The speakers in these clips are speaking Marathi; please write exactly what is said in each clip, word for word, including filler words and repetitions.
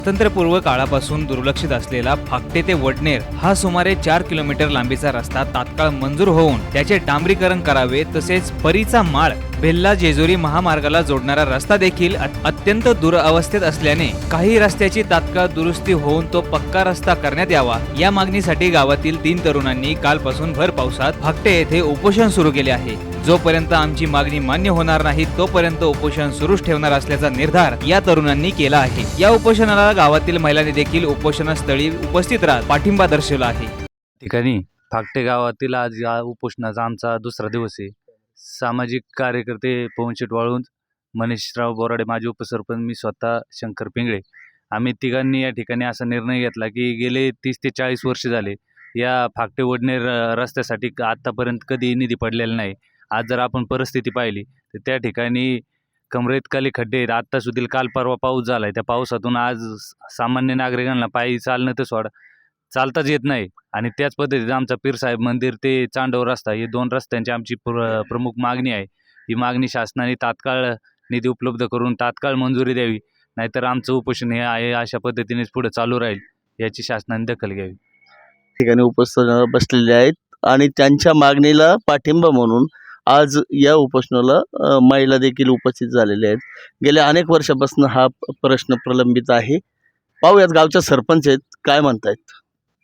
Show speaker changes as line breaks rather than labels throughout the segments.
स्वातंत्र्यपूर्व काळापासून दुर्लक्षित असलेला फाकटे ते वडनेर हा सुमारे चार किलोमीटर लांबीचा रस्ता तात्काळ मंजूर होऊन त्याचे डांबरीकरण करावे, तसेच परीचा माळ बेल्ला जेजुरी महामार्गाला जोडणारा रस्ता देखील अत्यंत दुरवस्थेत असल्याने काही रस्त्याची तात्काळ दुरुस्ती होऊन तो पक्का रस्ता करण्यात यावा, या मागणीसाठी गावातील तीन तरुणांनी कालपासून भर पावसात फाकटे येथे उपोषण सुरू केले आहे। जोपर्यंत आमची मागणी मान्य होणार नाही तोपर्यंत उपोषण सुरूच ठेवणार असल्याचा निर्धार या तरुणांनी केला आहे। या उपोषणाला गावातील महिलांनी देखील उपोषणस्थळी उपस्थित राहत पाठिंबा दर्शवला आहे।
ठिकाणी फाकटे गावातील आज या उपोषणाचा आमचा दुसरा दिवस आहे। सामाजिक कार्यकर्ते पवनशेठ वाळुंज, मनीषराव बोराडे माजी उपसरपंच, मी स्वतः शंकर पिंगळे, आम्ही तिघांनी या ठिकाणी असा निर्णय घेतला की गेले तीस ते चाळीस वर्ष झाले या फाकटे वडनेर रस्त्यासाठी आतापर्यंत कधी निधी पडलेला नाही। आज जर आपण परिस्थिती पाहिली तर त्या ठिकाणी कमरेतखाली खड्डे आहेत। आत्ता सुद्धा काल परवा पाऊस झाला आहे, त्या पावसातून आज सामान्य नागरिकांना पायी चालणं तर सोडा चालताच येत नाही। आणि त्याच पद्धतीने आमचा पीरसाहेब मंदिर ते चांडव रस्ता हे दोन रस्त्यांची आमची प्र प्रमुख मागणी आहे। ही मागणी शासनाने तात्काळ निधी उपलब्ध करून तात्काळ मंजुरी द्यावी, नाहीतर आमचं उपोषण हे आहे अशा पद्धतीनेच पुढे चालू राहील, याची शासनाने दखल घ्यावी।
ठिकाणी उपस्थित बसलेले आहेत आणि त्यांच्या मागणीला पाठिंबा म्हणून आज या उपोषणाला महिला देखील उपस्थित झालेले आहेत। गेल्या अनेक वर्षापासून हा प्रश्न प्रलंबित आहे। पाहूयात गावच्या सरपंच आहेत, काय म्हणतायत।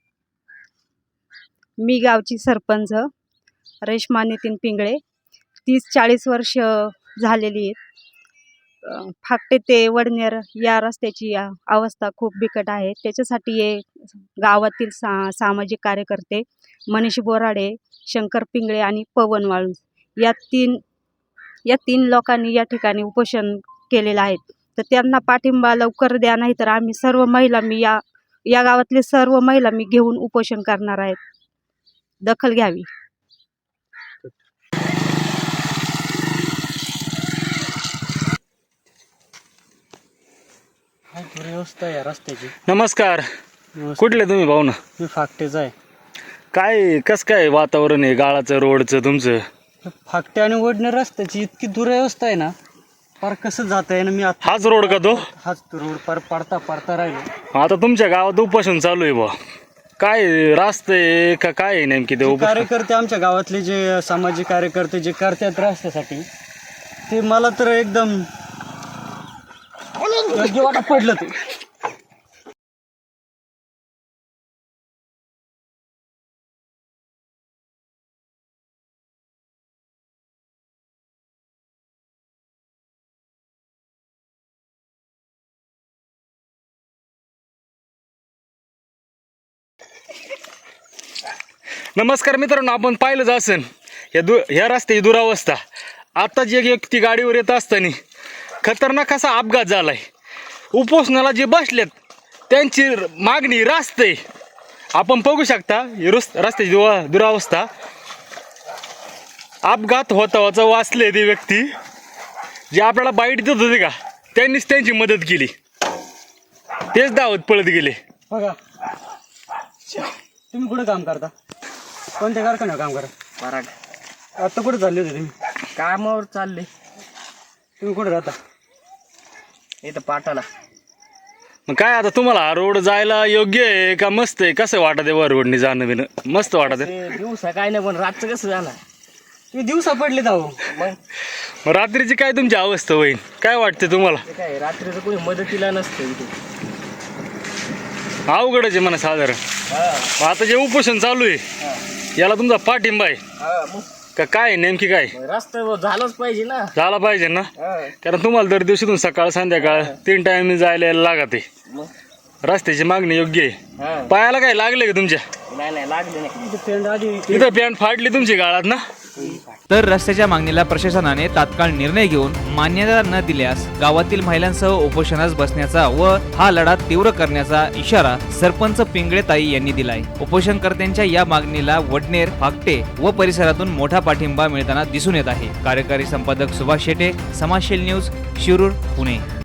मी गावची सरपंच रेश्मा नितीन पिंगळे, तीस चाळीस वर्ष झालेली आहेत। फाकटे ते वडनेर या रस्त्याची अवस्था खूप बिकट आहे। त्याच्यासाठी हे गावातील सा सामाजिक कार्यकर्ते मनीष बोराडे, शंकर पिंगळे आणि पवन वाळुंज या तीन या तीन लोकांनी या ठिकाणी उपोषण केलेलं आहे। तर त्यांना पाठिंबा लवकर द्या, नाही तर आम्ही सर्व महिला मी या या गावातले सर्व महिला मी घेऊन उपोषण करणार आहेत। दखल घ्यावी।
व्यवस्था या रस्त्याची।
नमस्कार, कुठले तुम्ही भाऊ ना?
मी फाकटेचा आहे।
काय कस काय वातावरण आहे गाळाचं रोडचं तुमचं?
फाकटे आणि वडनेर रस्त्याची इतकी दुरवस्था आहे ना, पार कसं जात आहे ना। मी आता
हाच रोड का तो?
हाच रोड पार पडता पडता राहिलो।
आता तुमच्या गावात उपोषण चालू आहे बा, काय रास्ते आहे का काय आहे नेमकी ते उपोषण?
कार्यकर्ते आमच्या गावातले जे सामाजिक कार्यकर्ते जे करतात रस्त्यासाठी, ते मला तर एकदम योग्य वाटत पडलं ते।
नमस्कार मित्रांनो, आपण पाहिलंच असेल या दु ह्या रस्त्याची दुरावस्था। आत्ताच एक व्यक्ती गाडीवर येत असताना खतरनाक असा अपघात झालाय। उपोषणाला जे बसलेत त्यांची मागणी रस्ते, आपण बघू शकता ही रस्त्याची दुरावस्था। अपघात होता होता वाचले ते व्यक्ती जे आपल्याला बाईट देत होते का, त्यांनीच त्यांची मदत केली, तेच धावत पळत गेले।
बघा, तुम्ही कुठे काम करता? कोणत्या कारखान्यावर काम करा?
पराग।
आता कुठे चालले होते तुम्ही?
कामावर चालले।
तुम्ही कुठे राहता?
इथं पाटाला।
मग काय आता तुम्हाला हा रोड जायला योग्य आहे का मस्त आहे? कसं वाटत आहे वर रोडनी जाणं बिणं? मस्त वाटत आहे।
दिवसा काय नाही, पण रातचं कसं जाणार?
तुम्ही दिवसा पडले जाऊ
मग
मग रात्रीची काय तुमची अवस्था होईल, काय वाटते तुम्हाला?
ते काय रात्रीचं कोणी मदतीला नसतं इथे।
अवघडच आहे म्हणा साधारण। मग आता जे उपोषण चालू आहे याला तुमचा पाठिंबा आहे का काय नेमकी काय?
रस्ता झालाच पाहिजे ना।
झाला पाहिजे ना, कारण तुम्हाला दर दिवशीतून सकाळ संध्याकाळ तीन टाइम जायला यायला लागत आहे। रस्त्याची मागणी योग्य आहे। पायाला काय लागले का तुमच्या?
नाही नाही लागले नाही।
इथं पॅन्ट फाडली तुमची गाळात ना?
तर रस्त्याच्या मागणीला प्रशासनाने तात्काळ निर्णय घेऊन मान्यता न दिल्यास गावातील महिलांसह उपोषणास बसण्याचा व हा लढा तीव्र करण्याचा इशारा सरपंच पिंगळेताई यांनी दिलाय। उपोषणकर्त्यांच्या या मागणीला वडनेर, फाकटे व परिसरातून मोठा पाठिंबा मिळताना दिसून येत आहे। कार्यकारी संपादक सुभाष शेटे, समाजशील न्यूज, शिरूर, पुणे।